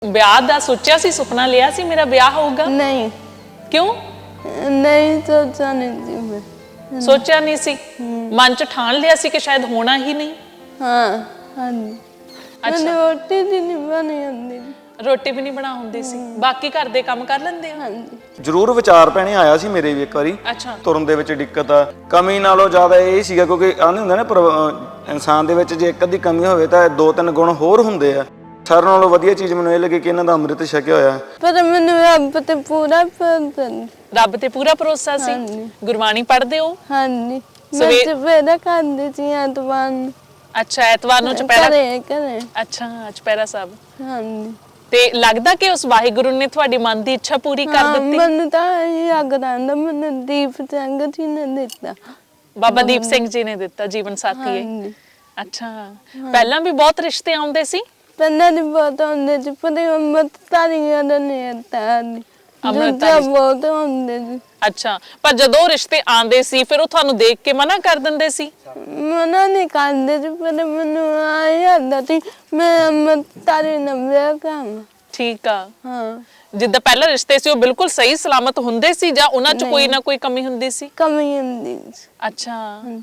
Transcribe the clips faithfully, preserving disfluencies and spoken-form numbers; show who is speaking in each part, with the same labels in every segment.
Speaker 1: ਵਿਆਹ ਦਾ ਸੋਚਿਆ ਸੀ, ਸੁਪਨਾ ਲਿਆ ਸੀ ਮੇਰਾ ਵਿਆਹ ਹੋਊਗਾ?
Speaker 2: नहीं
Speaker 1: ਕਿਉਂ?
Speaker 2: नहीं सोचा नहीं थी मैं।
Speaker 1: ਸੋਚਿਆ ਨਹੀਂ ਸੀ, ਮਨ ਚ ਠਾਣ ਲਿਆ ਸੀ ਕਿ ਸ਼ਾਇਦ ਹੋਣਾ ਹੀ ਨਹੀਂ।
Speaker 2: हाँ हाँ जी। मैंने रोटी भी नहीं बनी आंदी।
Speaker 1: ਰੋਟੀ ਵੀ ਨਹੀਂ ਬਣਾ ਹੁੰਦੀ ਸੀ, ਬਾਕੀ ਘਰ ਦੇ ਕੰਮ ਕਰ ਲੈਂਦੇ ਹੋ?
Speaker 2: हाँ जी।
Speaker 3: ਜ਼ਰੂਰ ਵਿਚਾਰ ਪੈਣੇ ਆਇਆ ਸੀ ਮੇਰੇ ਵੀ ਇੱਕ ਵਾਰੀ।
Speaker 1: ਅੱਛਾ।
Speaker 3: ਤੁਰਨ ਦੇ ਵਿੱਚ ਦਿੱਕਤ ਆ, ਕਮੀ ਨਾਲੋਂ ਜ਼ਿਆਦਾ ਇਹ ਸੀਗਾ ਕਿਉਂਕਿ ਆਹ ਨਹੀਂ ਹੁੰਦਾ ਨਾ, ਪਰ ਅਹ ਇਨਸਾਨ ਦੇ ਵਿੱਚ ਜੇ ਇੱਕ ਅੱਧੀ ਕਮੀ ਹੋਵੇ ਤਾਂ ਦੋ ਤਿੰਨ ਗੁਣ ਹੋਰ ਹੁੰਦੇ ਆ। ਸਾਰਿਆਂ ਨਾਲੋਂ ਵਧੀਆ ਚੀਜ਼ ਮੈਨੂੰ ਇਹ ਲੱਗੀ ਕਿ ਇਹਨਾਂ ਦਾ ਅੰਮ੍ਰਿਤ ਛਕਿਆ ਹੋਇਆ।
Speaker 2: पर मैंने रब ते पूरा भरोसा नहीं।
Speaker 1: ਰੱਬ ਤੇ ਪੂਰਾ ਭਰੋਸਾ ਸੀ।
Speaker 2: ਹਾਂਜੀ।
Speaker 1: ਗੁਰਬਾਣੀ ਪੜ੍ਹਦੇ ਹੋ?
Speaker 2: हाँ जी। मैं
Speaker 1: सवे-
Speaker 2: चपेरा खाती थी एतवार नूं।
Speaker 1: ਅੱਛਾ, ਐਤਵਾਰ ਨੂੰ ਚੁਪਹਿਰਾ।
Speaker 2: घरे घरे।
Speaker 1: ਅੱਛਾ, ਚੁਪਹਿਰਾ ਸਾਹਿਬ।
Speaker 2: हाँ जी।
Speaker 1: ਤੇ ਲੱਗਦਾ ਕਿ ਉਸ ਵਾਹਿਗੁਰੂ ਨੇ ਤੁਹਾਡੀ ਮਨ ਦੀ ਇੱਛਾ ਪੂਰੀ ਕਰ
Speaker 2: हाँ,
Speaker 1: ਦਿੱਤੀ।
Speaker 2: मैनू तां यही अग रहिंदा, मैनू दीप सिंह जी ने दिता।
Speaker 1: ਬਾਬਾ ਦੀਪ ਸਿੰਘ ਜੀ ਨੇ ਦਿੱਤਾ ਜੀਵਨ ਸਾਥੀ
Speaker 2: हाँ
Speaker 1: ਹੈ।
Speaker 2: जी।
Speaker 1: ਅੱਛਾ, ਪਹਿਲਾਂ ਵੀ ਬਹੁਤ ਰਿਸ਼ਤੇ ਆਉਂਦੇ ਸੀ?
Speaker 2: पहले दी बहुत होंदे सी, पर अमृत तारियां दा नहीं आता नहीं।
Speaker 1: ਅੰਮ੍ਰਿਤਧਾਰੀ।
Speaker 2: दूजा बहुत होंदे सी।
Speaker 1: ਅੱਛਾ, ਪਰ ਜਦੋਂ ਰਿਸ਼ਤੇ ਆਉਂਦੇ ਸੀ ਫਿਰ ਉਹ ਤੁਹਾਨੂੰ ਦੇਖ ਕੇ ਮਨਾ ਕਰ ਦਿੰਦੇ ਸੀ?
Speaker 2: मना नहीं करदे सी, पर मैनू आई आंदा सी मैं अमृत तारी नाल विआह करां।
Speaker 1: ਠੀਕ ਆ।
Speaker 2: हाँ,
Speaker 1: ਜਿੱਦਾਂ ਪਹਿਲਾਂ ਰਿਸ਼ਤੇ ਸੀ ਉਹ ਬਿਲਕੁਲ ਸਹੀ ਸਲਾਮਤ ਹੁੰਦੇ ਸੀ ਜਾਂ ਉਹਨਾਂ 'ਚ ਕੋਈ ਨਾ ਕੋਈ ਕਮੀ ਹੁੰਦੀ ਸੀ?
Speaker 2: कमी हुंदी सी।
Speaker 1: ਅੱਛਾ।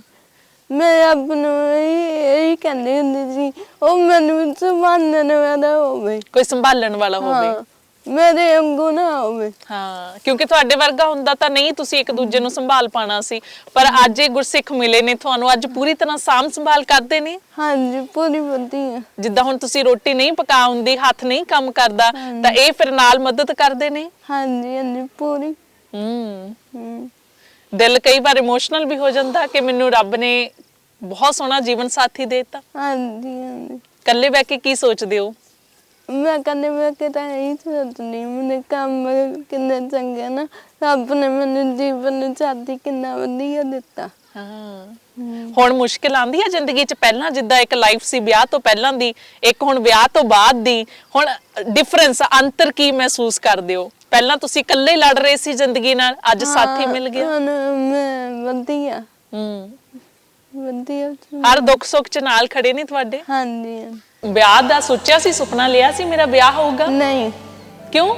Speaker 2: मैं रब नूं यही कहंदी हुंदी सी, ओ मैनू संभालण वाला होवे।
Speaker 1: ਕੋਈ ਸੰਭਾਲਣ ਵਾਲਾ ਹੋਵੇ।
Speaker 2: हाँ, मेरे वांगू ना होवे।
Speaker 1: ਹਾਂ, ਕਿਉਂਕਿ ਤੁਹਾਡੇ ਵਰਗਾ ਹੁੰਦਾ ਤਾਂ ਨਹੀਂ ਤੁਸੀਂ ਇੱਕ ਦੂਜੇ ਨੂੰ ਸੰਭਾਲ ਪਾਣਾ ਸੀ, ਪਰ ਅੱਜ ਇਹ ਗੁਰਸਿੱਖ ਮਿਲੇ ਨੇ ਤੁਹਾਨੂੰ, ਅੱਜ ਪੂਰੀ ਤਰ੍ਹਾਂ ਸਾਂਭ ਸੰਭਾਲ ਕਰਦੇ ਨੇ।
Speaker 2: हाँ जी, पूरी वधिया।
Speaker 1: ਜਿੱਦਾਂ ਹੁਣ ਤੁਸੀਂ ਰੋਟੀ ਨਹੀਂ ਪਕਾ ਹੁੰਦੀ, ਹੱਥ ਨਹੀਂ ਕੰਮ ਕਰਦਾ, ਤਾਂ ਇਹ ਫਿਰ ਨਾਲ ਮਦਦ ਕਰਦੇ ਨੇ।
Speaker 2: हाँ जी, हाँ जी, पूरी।
Speaker 1: ਹੂੰ।
Speaker 2: हम्म।
Speaker 1: ਦਿਲ ਕਈ ਵਾਰ ਇਮੋਸ਼ਨਲ ਵੀ ਹੋ ਜਾਂਦਾ ਕਿ ਮੈਨੂੰ ਰੱਬ ਨੇ ਬਹੁਤ ਸੋਹਣਾ ਜੀਵਨ ਸਾਥੀ ਦੇ ਦਿੱਤਾ।
Speaker 2: हाँ जी, हाँ जी।
Speaker 1: ਇਕੱਲੇ ਬਹਿ ਕੇ ਕੀ ਸੋਚਦੇ ਹੋ?
Speaker 2: मैं कहने मैं कहता यही सोचनी, मैंने काम किन्ने चंगे ना, रब ने मैंने जीवन साथी किन्ना वधिया दिता।
Speaker 1: ਹਾਂ। ਹੁਣ ਮੁਸ਼ਕਿਲ ਆਂਦੀ ਹੈ ਜ਼ਿੰਦਗੀ 'ਚ? ਪਹਿਲਾਂ ਜਿੱਦਾਂ ਇੱਕ ਲਾਈਫ ਸੀ ਵਿਆਹ ਤੋਂ ਪਹਿਲਾਂ ਦੀ, ਇੱਕ ਹੁਣ ਵਿਆਹ ਤੋਂ ਬਾਅਦ ਦੀ, ਹੁਣ ਡਿਫਰੈਂਸ ਅੰਤਰ ਕੀ ਮਹਿਸੂਸ ਕਰਦੇ ਹੋ? ਪਹਿਲਾਂ ਤੁਸੀਂ ਇਕੱਲੇ ਲੜ ਰਹੇ ਸੀ ਜ਼ਿੰਦਗੀ ਨਾਲ, ਅੱਜ ਸਾਥੀ ਮਿਲ ਗਿਆ।
Speaker 2: ਹੁਣ मैं वधिया
Speaker 1: ਹੂੰ।
Speaker 2: वधिया।
Speaker 1: ਹਰ ਦੁੱਖ ਸੁੱਖ 'ਚ ਨਾਲ ਖੜੇ ਨੇ ਤੁਹਾਡੇ।
Speaker 2: हाँ जी। हाँ।
Speaker 1: ਵਿਆਹ ਦਾ ਸੋਚਿਆ ਸੀ, ਸੁਪਨਾ ਲਿਆ ਸੀ ਮੇਰਾ ਵਿਆਹ ਹੋਊਗਾ?
Speaker 2: नहीं
Speaker 1: ਕਿਉਂ?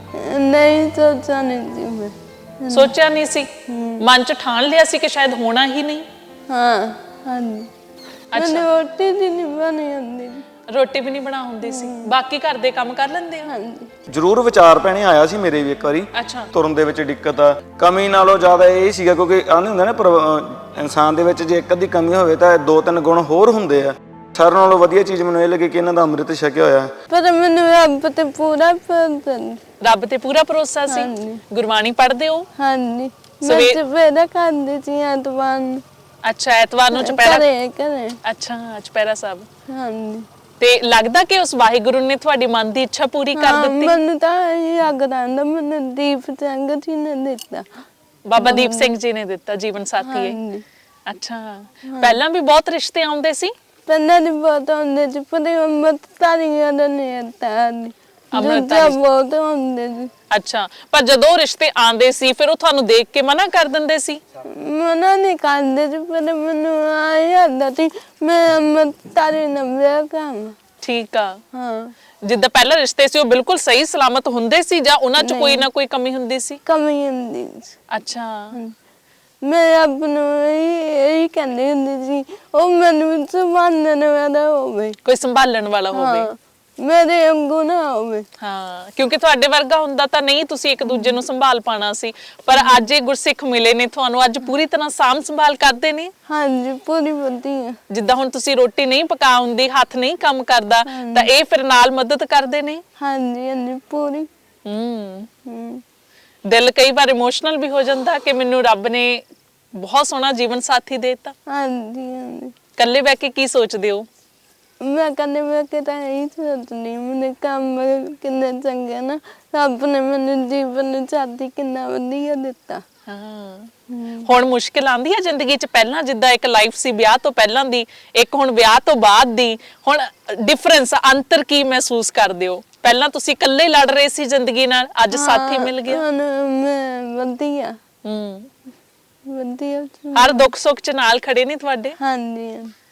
Speaker 2: नहीं सोचा नहीं थी मैं।
Speaker 1: ਸੋਚਿਆ ਨਹੀਂ ਸੀ, ਮਨ 'ਚ ਠਾਣ ਲਿਆ ਸੀ ਕਿ ਸ਼ਾਇਦ ਹੋਣਾ ਹੀ ਨਹੀਂ।
Speaker 2: हाँ हाँ जी। मैंने रोटी भी नहीं बनी आंदी।
Speaker 1: ਰੋਟੀ ਵੀ ਨਹੀਂ ਬਣਾ ਹੁੰਦੀ ਸੀ, ਬਾਕੀ ਘਰ ਦੇ ਕੰਮ ਕਰ ਲੈਂਦੇ ਹੋ?
Speaker 2: हाँ जी।
Speaker 3: ਜ਼ਰੂਰ ਵਿਚਾਰ ਪੈਣੇ ਆਇਆ ਸੀ ਮੇਰੇ ਵੀ ਇੱਕ ਵਾਰੀ।
Speaker 1: ਅੱਛਾ।
Speaker 3: ਤੁਰਨ ਦੇ ਵਿੱਚ ਦਿੱਕਤ ਆ, ਕਮੀ ਨਾਲੋਂ ਜ਼ਿਆਦਾ ਇਹ ਸੀਗਾ ਕਿਉਂਕਿ ਆਹ ਨਹੀਂ ਹੁੰਦਾ ਨਾ, ਪਰ ਅਹ ਇਨਸਾਨ ਦੇ ਵਿੱਚ ਜੇ ਇੱਕ ਅੱਧੀ ਕਮੀ ਹੋਵੇ ਤਾਂ ਦੋ ਤਿੰਨ ਗੁਣ ਹੋਰ ਹੁੰਦੇ ਆ। ਸਾਰਿਆਂ ਨਾਲੋਂ ਵਧੀਆ ਚੀਜ਼ ਮੈਨੂੰ ਇਹ ਲੱਗੀ ਕਿ ਇਹਨਾਂ ਦਾ ਅੰਮ੍ਰਿਤ ਛਕਿਆ ਹੋਇਆ।
Speaker 2: पर मैनू रब ते पूरा भरोसा नहीं।
Speaker 1: ਰੱਬ ਤੇ ਪੂਰਾ ਭਰੋਸਾ ਸੀ।
Speaker 2: ਹਾਂਜੀ।
Speaker 1: ਗੁਰਬਾਣੀ ਪੜ੍ਹਦੇ ਹੋ?
Speaker 2: हाँ जी। मैं
Speaker 1: सवे-
Speaker 2: चपेरा खाती थी एतवार नूं।
Speaker 1: ਅੱਛਾ, ਐਤਵਾਰ ਨੂੰ ਚੁਪਹਿਰਾ।
Speaker 2: घरे घरे।
Speaker 1: ਅੱਛਾ, ਚੁਪਹਿਰਾ ਸਾਹਿਬ।
Speaker 2: हाँ जी।
Speaker 1: ਤੇ ਲੱਗਦਾ ਕਿ ਉਸ ਵਾਹਿਗੁਰੂ ਨੇ ਤੁਹਾਡੀ ਮਨ ਦੀ ਇੱਛਾ ਪੂਰੀ ਕਰ
Speaker 2: हाँ,
Speaker 1: ਦਿੱਤੀ।
Speaker 2: मैनू तां यही अग रहिंदा, मैनू दीप सिंह जी ने दिता।
Speaker 1: ਬਾਬਾ ਦੀਪ ਸਿੰਘ ਜੀ ਨੇ ਦਿੱਤਾ ਜੀਵਨ ਸਾਥੀ
Speaker 2: हाँ
Speaker 1: ਹੈ।
Speaker 2: जी।
Speaker 1: ਅੱਛਾ, ਪਹਿਲਾਂ ਵੀ ਬਹੁਤ ਰਿਸ਼ਤੇ ਆਉਂਦੇ ਸੀ?
Speaker 2: पहले दी बहुत होंदे सी, पर अमृत तारियां दा नहीं आता नहीं।
Speaker 1: अमृत
Speaker 2: दूजा
Speaker 1: तारी-
Speaker 2: बहुत होंदे सी।
Speaker 1: ਅੱਛਾ, ਪਰ ਜਦੋਂ ਉਹ ਰਿਸ਼ਤੇ ਆਉਂਦੇ ਸੀ ਫਿਰ ਉਹ ਤੁਹਾਨੂੰ ਦੇਖ ਕੇ ਮਨਾ ਕਰ ਦਿੰਦੇ ਸੀ?
Speaker 2: मना नहीं करदे सी, पर मैनू आई आंदा सी मैं अमृत तारी नाल विआह करां।
Speaker 1: ਠੀਕ ਆ।
Speaker 2: हाँ,
Speaker 1: ਜਿੱਦਾਂ ਪਹਿਲਾਂ ਰਿਸ਼ਤੇ ਸੀ ਉਹ ਬਿਲਕੁਲ ਸਹੀ ਸਲਾਮਤ ਹੁੰਦੇ ਸੀ ਜਾਂ ਉਹਨਾਂ 'ਚ ਕੋਈ ਨਾ ਕੋਈ ਕਮੀ ਹੁੰਦੀ ਸੀ?
Speaker 2: कमी हुंदी सी।
Speaker 1: ਅੱਛਾ।
Speaker 2: मैं रब नूं यही यही कहंदी हुंदी सी, ओ मैनू संभालण वाला होवे।
Speaker 1: ਕੋਈ ਸੰਭਾਲਣ ਵਾਲਾ ਹੋਵੇ।
Speaker 2: हाँ, मेरे वांगू ना होवे।
Speaker 1: ਹਾਂ, ਕਿਉਂਕਿ ਤੁਹਾਡੇ ਵਰਗਾ ਹੁੰਦਾ ਤਾਂ ਨਹੀਂ ਤੁਸੀਂ ਇੱਕ ਦੂਜੇ ਨੂੰ ਸੰਭਾਲ ਪਾਣਾ ਸੀ, ਪਰ ਅੱਜ ਇਹ ਗੁਰਸਿੱਖ ਮਿਲੇ ਨੇ ਤੁਹਾਨੂੰ, ਅੱਜ ਪੂਰੀ ਤਰ੍ਹਾਂ ਸਾਂਭ ਸੰਭਾਲ ਕਰਦੇ ਨੇ।
Speaker 2: हाँ जी, पूरी वधिया।
Speaker 1: ਜਿੱਦਾਂ ਹੁਣ ਤੁਸੀਂ ਰੋਟੀ ਨਹੀਂ ਪਕਾ ਹੁੰਦੀ, ਹੱਥ ਨਹੀਂ ਕੰਮ ਕਰਦਾ, ਤਾਂ ਇਹ ਫਿਰ ਨਾਲ ਮਦਦ ਕਰਦੇ ਨੇ।
Speaker 2: हाँ जी, हाँ जी, पूरी।
Speaker 1: ਹੂੰ।
Speaker 2: हम्म।
Speaker 1: ਦਿਲ ਕਈ ਵਾਰ ਇਮੋਸ਼ਨਲ ਵੀ ਹੋ ਜਾਂਦਾ ਕਿ ਮੈਨੂੰ ਰੱਬ ਨੇ ਬਹੁਤ ਸੋਹਣਾ ਜੀਵਨ ਸਾਥੀ ਦੇ ਦਿੱਤਾ।
Speaker 2: हाँ जी, हाँ जी।
Speaker 1: ਇਕੱਲੇ ਬਹਿ ਕੇ ਕੀ ਸੋਚਦੇ ਹੋ?
Speaker 2: मैं कहने मैं कहता यही सोचनी, मैंने काम किन्ने चंगे ना, रब ने मैंने जीवन साथी किन्ना वधिया दिता।
Speaker 1: ਹਾਂ। ਹੁਣ ਮੁਸ਼ਕਿਲ ਆਂਦੀ ਹੈ ਜ਼ਿੰਦਗੀ 'ਚ? ਪਹਿਲਾਂ ਜਿੱਦਾਂ ਇੱਕ ਲਾਈਫ ਸੀ ਵਿਆਹ ਤੋਂ ਪਹਿਲਾਂ ਦੀ, ਇੱਕ ਹੁਣ ਵਿਆਹ ਤੋਂ ਬਾਅਦ ਦੀ, ਹੁਣ ਡਿਫਰੈਂਸ ਅੰਤਰ ਕੀ ਮਹਿਸੂਸ ਕਰਦੇ ਹੋ? ਪਹਿਲਾਂ ਤੁਸੀਂ ਇਕੱਲੇ ਲੜ ਰਹੇ ਸੀ ਜ਼ਿੰਦਗੀ ਨਾਲ, ਅੱਜ ਸਾਥੀ ਮਿਲ ਗਿਆ।
Speaker 2: ਹੁਣ ਮੈਂ ਵधिया
Speaker 1: ਹੂੰ।
Speaker 2: ਵधिया।
Speaker 1: ਹਰ ਦੁੱਖ ਸੁੱਖ 'ਚ ਨਾਲ ਖੜੇ ਨੇ ਤੁਹਾਡੇ।
Speaker 2: ਹਾਂਜੀ।